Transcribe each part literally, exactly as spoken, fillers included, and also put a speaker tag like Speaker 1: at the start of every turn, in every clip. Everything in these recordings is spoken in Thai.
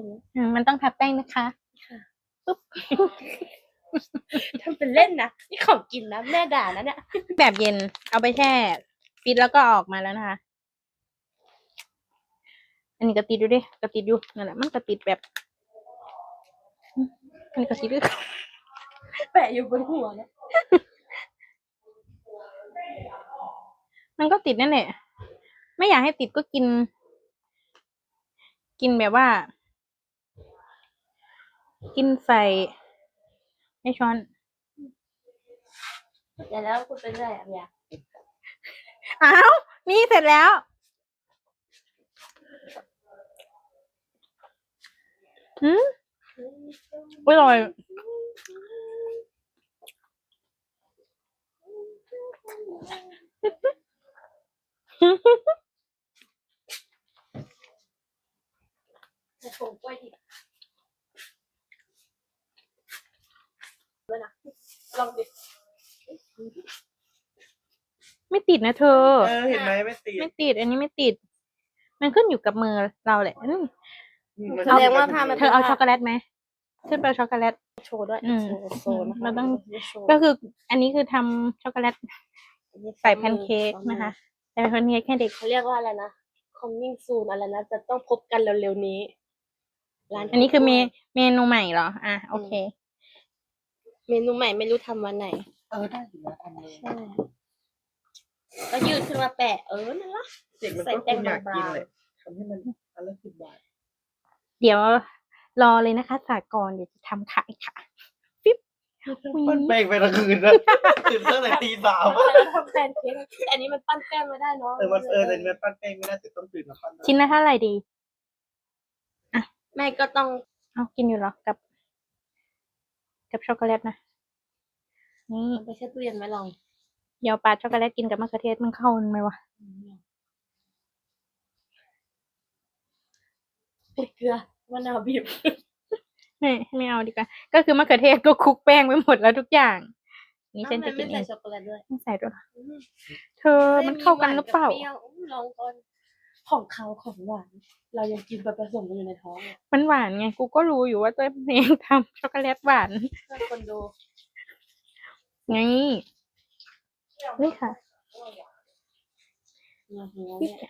Speaker 1: นี้
Speaker 2: อืมมันต้องทับแป้งนะคะปุ๊บ
Speaker 1: ทำเป็นเล่นนะนี่ของกินนะแม่ด่านะเนี่ย
Speaker 2: แบบเย็นเอาไปแช่ปิดแล้วก็ออกมาแล้วนะคะ อันนี้ก็ติดอยู่ดิก็ติดอยู่นั่นแหละมันก็ติดแบบอันนี้ก็ติดด้วย
Speaker 1: แปะอยู่บนหัวนะ
Speaker 2: มันก็ติดนั่นแหละไม่อยากให้ติดก็กิน กินแบบว่า กินใส่ให้ช้อน
Speaker 1: เดี๋ยวแล้วคุณเป็นไรอ่ะเนี่ย
Speaker 2: อ้าวนี่เสร็จแล้วอืมอร่อย
Speaker 1: จะส่งกล้วยดิบด้วยนะลองดิ
Speaker 2: ไม่ติดนะเธอ
Speaker 3: เออเห็นไหมไม่ติด
Speaker 2: ไม่ติด อันนี้ไม่ติด มันขึ้นอยู่กับมือเราแหละอืม
Speaker 1: แสดงว่าผ้ามัน
Speaker 2: เธอเอาช็อกโกแลตไหมเธอเอาช็อกโกแลต
Speaker 1: โชว์ด้วย
Speaker 2: อืม
Speaker 1: โชว์โชว์นะคะ
Speaker 2: มันต้อง
Speaker 1: โชว์
Speaker 2: ก็คือ อันนี้คือทำช็อกโกแลตใส่แพนเค้กนะคะใส่แพนเค้กแค่เด็ก
Speaker 1: เขาเรียกว่าอะไรนะ coming soon อะไรนะ จะต้องพบกันเร็วๆนี้ร้าน
Speaker 2: อันนี้คือเมเมนูใหม่เหรอ อ่ะโอเค
Speaker 1: เมนูใหม่ไม่รู้ทำวันไหน
Speaker 3: เออได้อยู่นะทำเลย
Speaker 1: ใช่ก็ยืดขึ้นมาแปะเออนั่นละ
Speaker 3: เด็กมัน
Speaker 1: ใส่
Speaker 3: ก็ค
Speaker 1: แป้ง
Speaker 3: งอยาก
Speaker 1: บา
Speaker 3: กิน
Speaker 1: ง
Speaker 3: เลยทำให้มันอันละสิบบาท
Speaker 2: เดี๋ยวรอเลยนะคะสากรณ์เดี๋ยวจะทำขายค่ะปิ๊บ
Speaker 3: ปั้นแป้งไปทั้งคืนนะตื่นตั้งแต่ตีสาม
Speaker 1: ๆแล้วทำแพนเค้กแต่อันนี้มันปั้นแป้งไม่ได้เนาะ
Speaker 3: เออมันเออแต่มันปั้นแป้งไม่ได้แต่ต้องตื่นมาปั้น
Speaker 2: ชิ้นละเท่าไหร่ดี
Speaker 1: แม่ก็ต้อง
Speaker 2: เอากินอยู่เหรอ กับ กับช็อกโกแลตนะ นี่
Speaker 1: เอาไปแช่ตู้เย็นไว้ลอง
Speaker 2: เดี๋ยวปาช็อกโกแลตกินกับมะเขือเทศมันเข้ากันไหมวะ
Speaker 1: เผ็ดเกลือมะนาวบีบ
Speaker 2: ไม่ไม่เอาดีกว่า ก็คือมะเขือเทศก็คลุกแป้งไปหมดแล้วทุกอย่าง นี่ฉัน
Speaker 1: ทำไม
Speaker 2: จะกิ
Speaker 1: ไม่
Speaker 2: นเอ
Speaker 1: ใส่
Speaker 2: ง
Speaker 1: ช็อกโกแลตด้วย
Speaker 2: ไม่ใส่ด้วยเหรอเธอมันเข้ากันหรือเปล่า
Speaker 1: ปรี้ยวอืมลองก่อนของเขาของหวาน เรายังกินไปผสมกันอยู่ในท้องเลย
Speaker 2: มันหวานไง กูก็รู้อยู่ว่าตัวเองทำช็อกโกแลตหวาน
Speaker 1: เพื่อคนดู
Speaker 2: ไง นี่ค่ะ
Speaker 1: เนี่ยหัวเนี่ย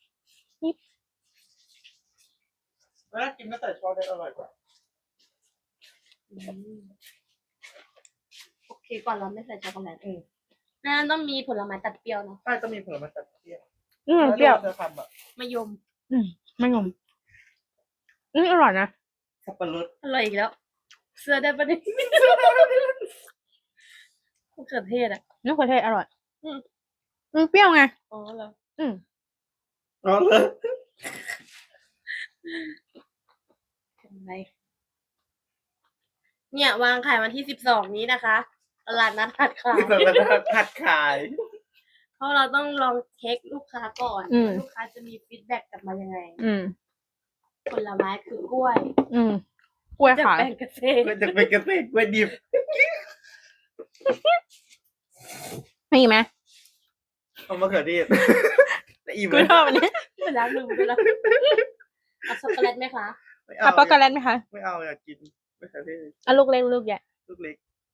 Speaker 3: เวลากินไม่ใส่ช้อนได้อร่อยกว่า
Speaker 1: อืมโอเคก่อนเราไม่ใส่ช็อกโกแลตเองนั่นต้องมีผลไม้ตัดเปรี้ยวเนาะ
Speaker 3: ใช่ต้องมีผลไม้ตัดเปรี้ยว
Speaker 2: อืมเปรี้ยว
Speaker 3: แล้จะทำอ่ะ
Speaker 1: มะยม
Speaker 2: อืมไม่งมอืมอร่อยนะ
Speaker 3: สับปะรด
Speaker 1: อร่อยอีกแล้ว เสื้อได้ปะเนี่ยมะเขือเทศอ่ะ
Speaker 2: มะเขือเทศอร่อย
Speaker 1: อืม
Speaker 2: มันเปรี้ยวไง
Speaker 1: อ๋อเหรอ
Speaker 2: อืม
Speaker 3: อ๋อเลย
Speaker 1: ทำไมเนี่ยวางขายวันที่สิบสองนี้นะคะตลาดนัดหัดขาย
Speaker 3: สับปะรดผัดขาย
Speaker 1: เพราะเราต้องลองเช็คลูกค้าก่อน
Speaker 2: อืม
Speaker 1: ว่าลูกค้าจะมีฟีดแบ็กกลับมายังไง
Speaker 2: อืม
Speaker 1: ผลไม้คือกล้วย
Speaker 2: อืมกล้วย
Speaker 1: จาก
Speaker 2: ขาว
Speaker 1: แปลงเกษตร
Speaker 3: ก็จะเป็นเกษตรกล้วยดิบ
Speaker 2: มีไหม
Speaker 3: เอามะเขือเทศแล้วอิ่ม
Speaker 2: กู
Speaker 3: เลย
Speaker 2: ชอบอันนี้
Speaker 1: ไปแล้วลืมไปแล้วเอาช็อกโกแลตไหมคะ
Speaker 3: ไม่
Speaker 2: เอา
Speaker 3: เอา
Speaker 2: ช็อกโกแลตไหมคะ
Speaker 3: ไม่เอาอยากกินมะเขือเทศ
Speaker 2: เอาลูกเล็กลูกใหญ่
Speaker 3: ลูกเล็ก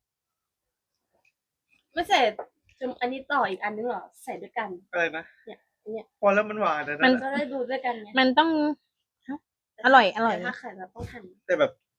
Speaker 1: ไม่ใส่อันนี้ต่ออีกอันนึงเหรอใส่ด้วยกัน
Speaker 3: อะไรนะ
Speaker 1: เนี่ยเนี่ย
Speaker 3: พอแล้วมันหวานนะ
Speaker 2: มัน
Speaker 3: นะ
Speaker 1: จะได้ดูด้วยกันไง
Speaker 2: มันต้อง อร่อยอร่อย
Speaker 1: แต่ถ้าไข่เราต้องหั่น
Speaker 3: แต่แบบ